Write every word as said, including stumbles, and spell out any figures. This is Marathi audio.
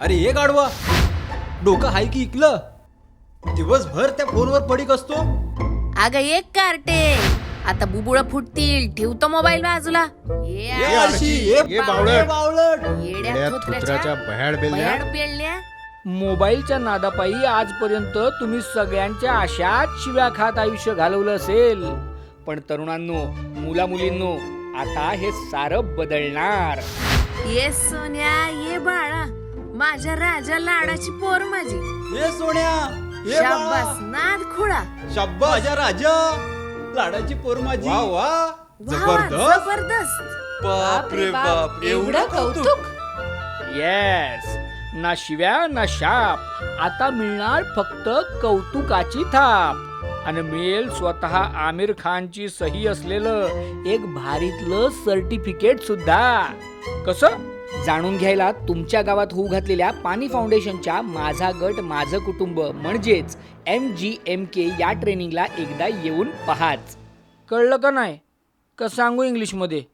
अरे हे गाडवा, डोकं हाय की इकलं? दिवसभर त्या फोनवर पडीक असतो. अगं एक कार्टे, आता बुबुळ फुटतील. ठेवतो मोबाईल बाजूला. ये ये आळशी, ये ये बावळट, बावळट. बावळट. येड्या येड्या थोथऱ्याच्या थुत्र्याच्या भयाड बेलण्या. भयाड पेलण्या. मोबाईलच्या नादापायी आजपर्यंत तुम्ही सगळ्यांच्या आशात शिव्या खात आयुष्य घालवलं असेल, पण तरुणांनो, मुला मुलींनो, आता हे सारं बदलणार. ये सोन्या, ये बाळा, माझ्या राजा लाडाची पोर माझी. ये सोन्या, ये शाबास, बाळा. नाद खुळा. शाब्बा माझ्या राजा, लाडाची पोर माझी. वा वा, वा वा, जबरदस्त. जबरदस्त. बाप रे बाप, एवढं कौतुक. येस, ना शिव्या ना शाप, आता मिळणार फक्त कौतुकाची थाप. आणि मिळेल स्वतः आमिर खानची सही असलेलं एक भारीतलं सर्टिफिकेट सुद्धा. कसं जाणून घ्यायला तुमच्या गावात होऊ घातलेल्या पाणी फाउंडेशनच्या माझा गट माझं कुटुंब म्हणजेच एम जी एम के या ट्रेनिंगला एकदा येऊन पहाच. कळलं का नाही? का सांगू इंग्लिशमध्ये?